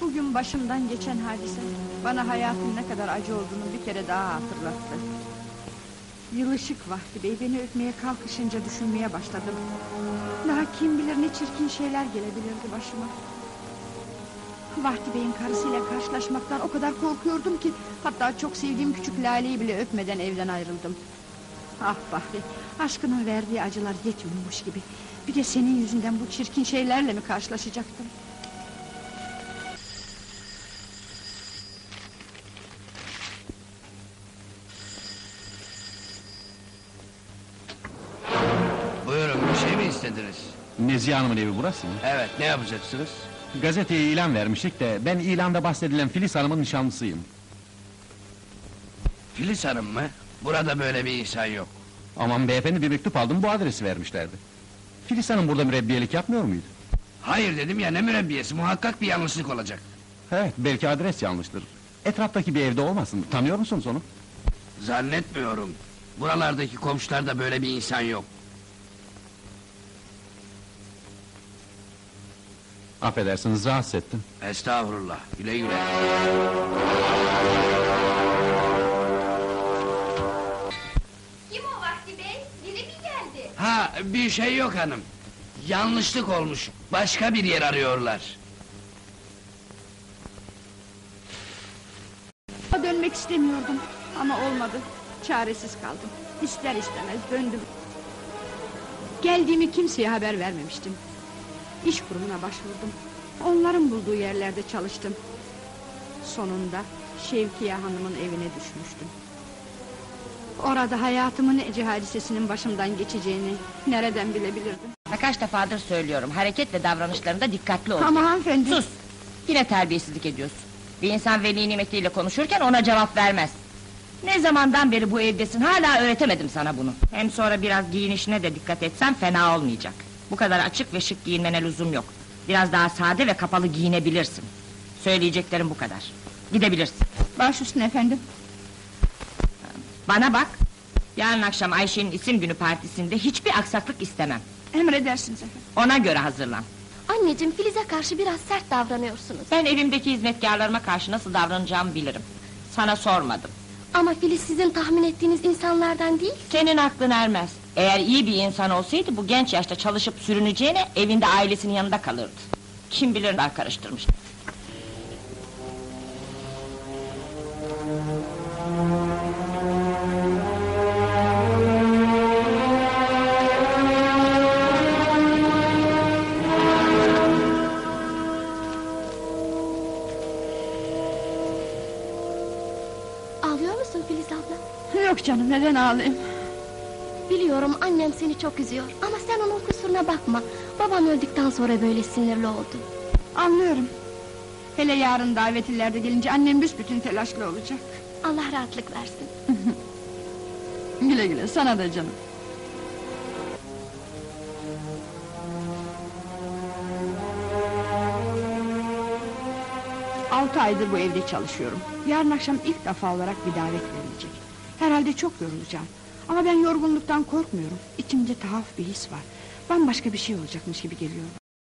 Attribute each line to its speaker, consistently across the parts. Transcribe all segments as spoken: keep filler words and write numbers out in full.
Speaker 1: Bugün başımdan geçen hadise bana hayatın ne kadar acı olduğunu bir kere daha hatırlattı. Yılışık Vahdi Bey beni öpmeye kalkışınca düşünmeye başladım. Daha kim bilir ne çirkin şeyler gelebilirdi başıma. Vahdi Bey'in karısıyla karşılaşmaktan o kadar korkuyordum ki hatta çok sevdiğim küçük Lale'yi bile öpmeden evden ayrıldım. Ah Bahri, aşkının verdiği acılar yetmiyormuş gibi. Bir de senin yüzünden bu çirkin şeylerle mi karşılaşacaktım?
Speaker 2: Buyurun, bir şey mi istediniz?
Speaker 3: Nezihe Hanım'ın evi burası mı?
Speaker 2: Evet, ne yapacaksınız?
Speaker 3: Gazeteye ilan vermiştik de ben ilanda bahsedilen Filiz Hanım'ın nişanlısıyım.
Speaker 2: Filiz Hanım mı? Burada böyle bir insan yok.
Speaker 3: Aman beyefendi, bir mektup aldım, bu adresi vermişlerdi. Filiz Hanım burada mürebbiyelik yapmıyor muydu?
Speaker 2: Hayır dedim ya, ne mürebbiyesi, muhakkak bir yanlışlık olacak.
Speaker 3: Evet, belki adres yanlıştır. Etraftaki bir evde olmasın, tanıyor musunuz onu?
Speaker 2: Zannetmiyorum. Buralardaki komşularda böyle bir insan yok.
Speaker 3: Affedersiniz, rahatsız ettim.
Speaker 2: Estağfurullah, güle güle.
Speaker 4: Kim o Vahdi Bey? Biri mi geldi?
Speaker 2: Ha, bir şey yok hanım. Yanlışlık olmuş, başka bir yer arıyorlar.
Speaker 1: Dönmek istemiyordum ama olmadı. Çaresiz kaldım. İster istemez döndüm. Geldiğimi kimseye haber vermemiştim. İş kurumuna başvurdum. Onların bulduğu yerlerde çalıştım. Sonunda Şevkiye Hanım'ın evine düşmüştüm. Orada hayatımın ece hadisesinin başımdan geçeceğini nereden bilebilirdim?
Speaker 5: Kaç defadır söylüyorum, hareket ve davranışlarında dikkatli ol.
Speaker 1: Ama hanımefendi...
Speaker 5: Sus! Yine terbiyesizlik ediyorsun. Bir insan veli nimetiyle konuşurken ona cevap vermez. Ne zamandan beri bu evdesin, hala öğretemedim sana bunu. Hem sonra biraz giyinişine de dikkat etsen fena olmayacak. Bu kadar açık ve şık giyinmene lüzum yok. Biraz daha sade ve kapalı giyinebilirsin. Söyleyeceklerim bu kadar. Gidebilirsin.
Speaker 1: Baş üstüne efendim.
Speaker 5: Bana bak! Yarın akşam Ayşe'nin isim günü partisinde hiçbir aksaklık istemem.
Speaker 1: Emredersiniz efendim.
Speaker 5: Ona göre hazırlan.
Speaker 4: Anneciğim, Filiz'e karşı biraz sert davranıyorsunuz.
Speaker 5: Ben evimdeki hizmetkarlarıma karşı nasıl davranacağımı bilirim. Sana sormadım.
Speaker 4: Ama Filiz sizin tahmin ettiğiniz insanlardan değil.
Speaker 5: Senin aklın ermez. Eğer iyi bir insan olsaydı bu genç yaşta çalışıp sürüneceğine evinde ailesinin yanında kalırdı. Kim bilir neler karıştırmış.
Speaker 4: Ağlıyor musun Filiz abla?
Speaker 1: Yok canım, neden ağlayayım?
Speaker 4: Biliyorum, annem seni çok üzüyor. Ama sen onun kusuruna bakma. Babam öldükten sonra böyle sinirli oldu.
Speaker 1: Anlıyorum. Hele yarın davetlilerde gelince annem büsbütün telaşlı olacak.
Speaker 4: Allah rahatlık versin.
Speaker 1: Güle güle, sana da canım. Altı aydır bu evde çalışıyorum. Yarın akşam ilk defa olarak bir davet verilecek. Herhalde çok yorulacağım. Ama ben yorgunluktan korkmuyorum. İçimde tuhaf bir his var. Bambaşka bir şey olacakmış gibi geliyor.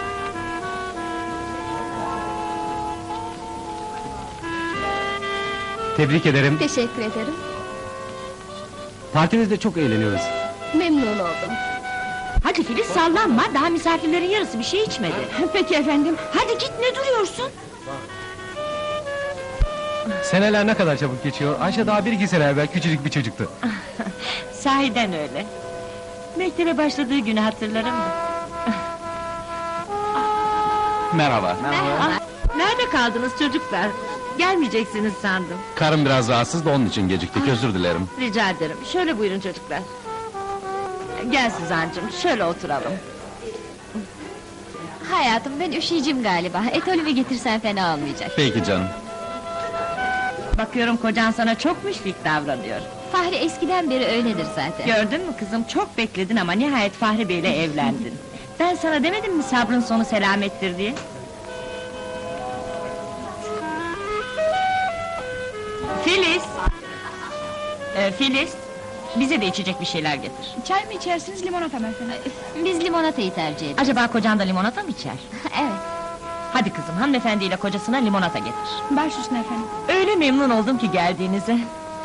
Speaker 3: Tebrik ederim.
Speaker 4: Teşekkür ederim.
Speaker 3: Partinizde çok eğleniyoruz.
Speaker 4: Memnun oldum.
Speaker 5: Hadi Filiz, sallanma, daha misafirlerin yarısı bir şey içmedi.
Speaker 1: Peki efendim.
Speaker 5: Hadi git, ne duruyorsun?
Speaker 3: Seneler ne kadar çabuk geçiyor. Ayşe daha bir iki sene evvel küçücük bir çocuktu.
Speaker 5: Sahiden öyle. Mektebe başladığı günü hatırlarım da.
Speaker 3: Merhaba.
Speaker 5: Ah, nerede kaldınız çocuklar? Gelmeyeceksiniz sandım.
Speaker 3: Karım biraz rahatsız da onun için geciktik, özür dilerim.
Speaker 5: Rica ederim, şöyle buyurun çocuklar. Gel Süzancığım, şöyle oturalım.
Speaker 6: Hayatım, ben üşüyeceğim galiba. Etolümü getirsen fena olmayacak.
Speaker 3: Peki canım.
Speaker 5: Bakıyorum kocan sana çok müşfik davranıyor.
Speaker 6: Fahri eskiden beri öyledir zaten.
Speaker 5: Gördün mü kızım, çok bekledin ama nihayet Fahri Bey'le evlendin. Ben sana demedim mi sabrın sonu selamettir diye? Filiz! Ee, Filiz! Bize de içecek bir şeyler getir.
Speaker 1: Çay mı içersiniz, limonata mı efendim?
Speaker 6: Biz limonatayı tercih ederiz.
Speaker 5: Acaba kocan da limonata mı içer?
Speaker 6: Evet.
Speaker 5: Hadi kızım, hanımefendiyle kocasına limonata getir.
Speaker 1: Baş üstüne efendim.
Speaker 5: Öyle memnun oldum ki geldiğinize.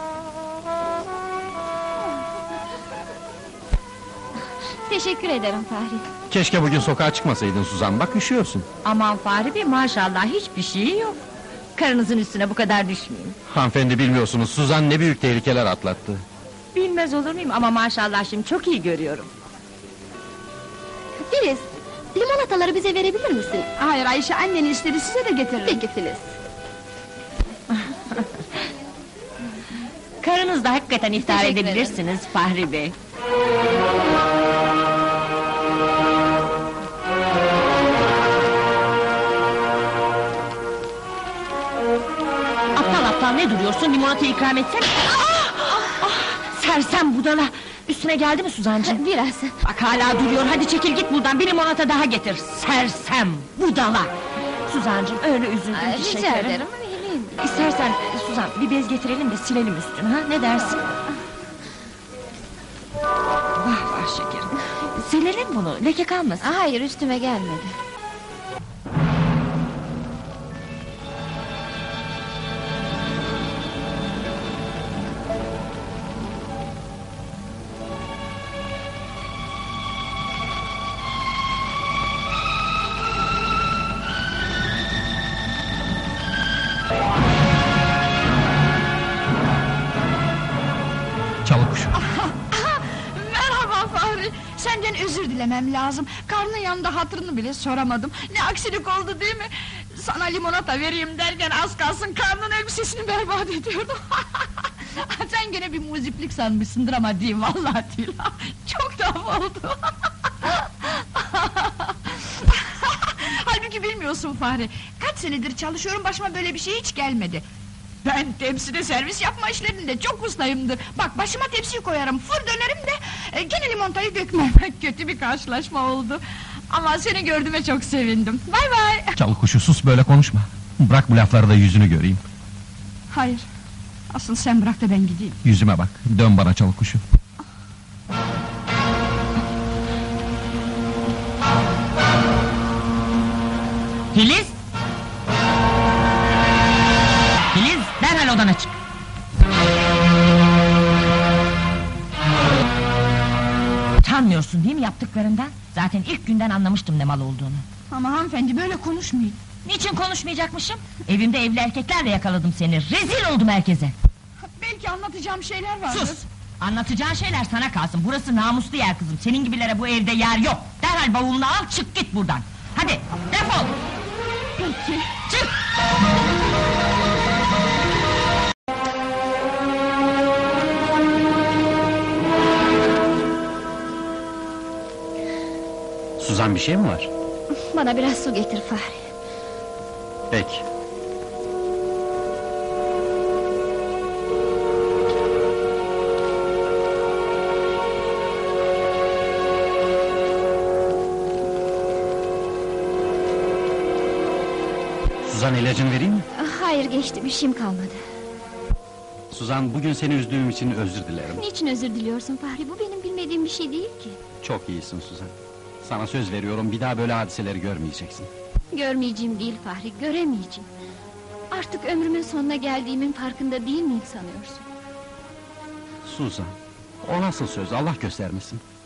Speaker 6: Teşekkür ederim Fahri.
Speaker 3: Keşke bugün sokağa çıkmasaydın Suzan, bak üşüyorsun.
Speaker 5: Aman Fahri Bey, maşallah hiçbir şeyi yok. Karınızın üstüne bu kadar düşmeyin.
Speaker 3: Hanımefendi bilmiyorsunuz, Suzan ne büyük tehlikeler atlattı.
Speaker 5: Bilmez olur muyum ama maşallah şimdi çok iyi görüyorum.
Speaker 4: Filiz, limonataları bize verebilir misin?
Speaker 1: Hayır Ayşe, annen istedi, size de getiririm.
Speaker 4: Peki Filiz.
Speaker 5: Karınızla hakikaten iftihar
Speaker 6: Teşekkür
Speaker 5: edebilirsiniz Fahri Bey. Aptal aptal ne duruyorsun, limonata ikram etsene. Ah, ah, sersem budala! Üstüne geldi mi Suzancığım?
Speaker 6: Biraz.
Speaker 5: Bak hala duruyor, hadi çekil git buradan, bir limonata daha getir. Sersem budala! Suzancığım öyle üzüldüm
Speaker 6: Aa,
Speaker 5: ki
Speaker 6: rica
Speaker 5: şekerim.
Speaker 6: ederim, vereyim.
Speaker 5: İstersen e, Suzan bir bez getirelim de silelim üstünü, ha? Ne dersin? Vah vah şekerim. Silelim bunu, leke kalmasın.
Speaker 6: Aa, hayır, üstüme gelmedi.
Speaker 3: Çalıkuş.
Speaker 1: Merhaba Fahri, senden özür dilemem lazım. Karnın yanında hatırını bile soramadım. Ne aksilik oldu değil mi? Sana limonata vereyim derken az kalsın karnın elbisesini berbat ediyordum. Sen gene bir muziplik sanmışsındır ama değil, vallahi değil. Çok tuhaf oldu. Halbuki bilmiyorsun Fahri, kaç senedir çalışıyorum, başıma böyle bir şey hiç gelmedi. Ben tepside servis yapma işlerinde çok ustayımdır. Bak başıma tepsiyi koyarım, fır dönerim de e, gene limonatayı dökmem. Kötü bir karşılaşma oldu. Ama seni gördüğüme çok sevindim. Bay bay.
Speaker 3: Çalıkuşu, sus böyle konuşma. Bırak bu lafları da yüzünü göreyim.
Speaker 1: Hayır, asıl sen bırak da ben gideyim.
Speaker 3: Yüzüme bak, dön bana Çalıkuşu.
Speaker 5: Filiz! Filiz, derhal odana çık! Utanmıyorsun değil mi yaptıklarından? Zaten ilk günden anlamıştım ne mal olduğunu.
Speaker 1: Ama hanımefendi böyle konuşmayın.
Speaker 5: Niçin konuşmayacakmışım? Evimde evli erkeklerle yakaladım seni, rezil oldum herkese!
Speaker 1: Belki anlatacağım şeyler vardır.
Speaker 5: Sus! Anlatacağın şeyler sana kalsın, burası namuslu yer kızım, senin gibilere bu evde yer yok! Derhal bavulunu al, çık git buradan! Hadi, defol!
Speaker 1: Peki.
Speaker 5: Çık!
Speaker 3: Suzan, bir şey mi var?
Speaker 6: Bana biraz su getir Fahri.
Speaker 3: Peki. Suzan, ilacını vereyim mi?
Speaker 6: Ah, hayır, geçti, bir şeyim kalmadı.
Speaker 3: Suzan, bugün seni üzdüğüm için özür dilerim.
Speaker 6: Niçin özür diliyorsun Fahri? Bu benim bilmediğim bir şey değil ki.
Speaker 3: Çok iyisin Suzan. Sana söz veriyorum, bir daha böyle hadiseleri görmeyeceksin.
Speaker 6: Görmeyeceğim değil Fahri, göremeyeceğim. Artık ömrümün sonuna geldiğimin farkında değil miyim sanıyorsun?
Speaker 3: Suzan, o nasıl söz, Allah göstermesin.